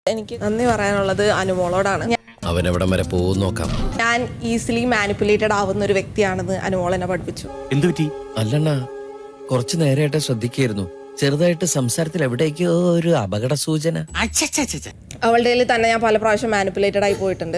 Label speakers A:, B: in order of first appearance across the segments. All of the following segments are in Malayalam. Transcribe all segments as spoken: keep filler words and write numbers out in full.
A: എനിക്ക് നന്ദി പറയാനുള്ളത് അനുമോളോടാണ്.
B: അവൻ എവിടം വരെ പോകും നോക്കാം.
A: ഞാൻ ഈസിലി മാനിപ്പുലേറ്റഡ് ആവുന്ന ഒരു വ്യക്തിയാണെന്ന് അനുമോൾ എന്നെ പഠിപ്പിച്ചു.
C: എന്തു പറ്റി?
B: അല്ലണ്ണ, കുറച്ചു നേരമായിട്ട് ശ്രദ്ധിക്കായിരുന്നു. ചെറുതായിട്ട് സംസാരത്തിൽ എവിടേക്കോ ഒരു അപകട സൂചന.
A: അവളുടെ കയ്യിൽ തന്നെ ഞാൻ പല പ്രാവശ്യം മാനിപ്പുലേറ്റഡ് ആയി പോയിട്ടുണ്ട്.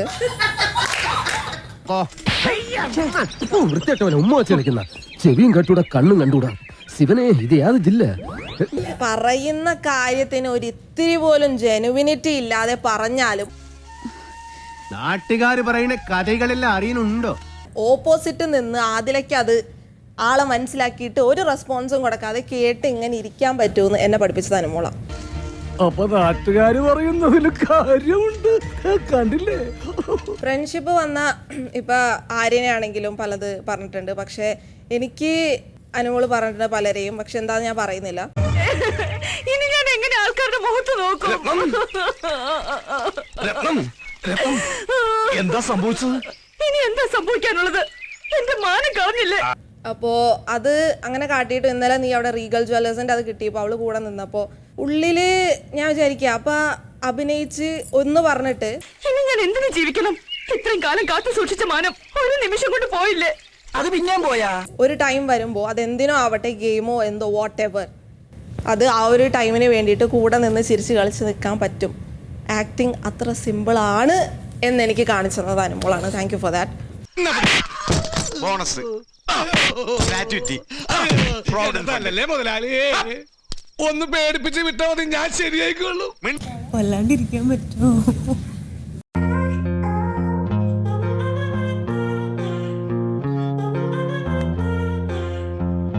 D: ചെവിയും കട്ടൂടാ, കണ്ണും കണ്ടൂടാ. ശിവനെ, ഇത് യാത് ജില്ല.
A: പറയുന്ന കാര്യത്തിന് ഒരു ഇത്തിരി പോലും ജെനുവിനിറ്റി ഇല്ലാതെ പറഞ്ഞാലും
C: നാട്ടുകാര് പറയുന്ന കഥകളെല്ലാം അറിയുന്നുണ്ടോ?
A: ഓപ്പോസിറ്റ് നിന്ന് ആദിലയ്ക്ക് അത് ആളെ മനസ്സിലാക്കിയിട്ട് ഒരു റെസ്പോൺസും കൊടുക്കാതെ കേട്ട് ഇങ്ങനെ ഇരിക്കാൻ പറ്റുമെന്ന് എന്നെ പഠിപ്പിച്ചത് അനുമോള.
D: അപ്പൊ നാട്ടുകാര് പറയുന്നതിൽ കാര്യമുണ്ട്, കണ്ടില്ലേ?
A: ഫ്രണ്ട്ഷിപ്പ് വന്ന ഇപ്പൊ ആര്യനെയാണെങ്കിലും പലത് പറഞ്ഞിട്ടുണ്ട്. പക്ഷെ എനിക്ക് അനുമോള് പറഞ്ഞിട്ടുണ്ട് പലരെയും. പക്ഷെ എന്താന്ന് ഞാൻ പറയുന്നില്ല.
E: ഇനി ഞാൻ എങ്ങനെ ആൾക്കാരുടെ മുഖത്ത് നോക്കും?
C: എന്താ സംഭവിച്ചത്?
E: ഇനി എന്താ സംഭവിക്കാനുള്ളത്? എന്റെ മാനം കളഞ്ഞില്ലേ?
A: അപ്പോ അത് അങ്ങനെ കാട്ടിയിട്ട് ഇന്നലെ നീ അവിടെ റീഗൽ ജ്വല്ലേഴ്സിന്റെ അത് കിട്ടിയപ്പോ അവള് കൂടെ നിന്നപ്പോ ഉള്ളില് ഞാൻ വിചാരിക്കുക, അപ്പൊ അഭിനയിച്ച് ഒന്ന് പറഞ്ഞിട്ട്
E: ഇനി ഞാൻ എന്തിനു ജീവിക്കണം? ഇത്രയും കാലം കാത്തു സൂക്ഷിച്ച മാനം ഒരു നിമിഷം കൊണ്ട് പോയില്ലേ?
C: അത് പിന്നെയും പോയാ?
A: ഒരു ടൈം വരുമ്പോ അതെന്തിനോ ആവട്ടെ, ഗെയിമോ എന്തോ വാട്ട് എവർ, അത് ആ ഒരു ടൈമിന് വേണ്ടിയിട്ട് കൂടെ നിന്ന് ചിരിച്ച് കളിച്ച് നിൽക്കാൻ പറ്റും. ആക്ടിങ് അത്ര സിമ്പിൾ ആണ് എന്ന് എനിക്ക് കാണിച്ചു തന്നത് അനുമോളാണ്. Thank you for that.
F: ഒന്ന് പേടിപ്പിച്ച് വിട്ടാൽ മതി, ഞാൻ ശരിയായിക്കോളൂ.
G: കൊല്ലാണ്ടിരിക്കാൻ പറ്റുമോ?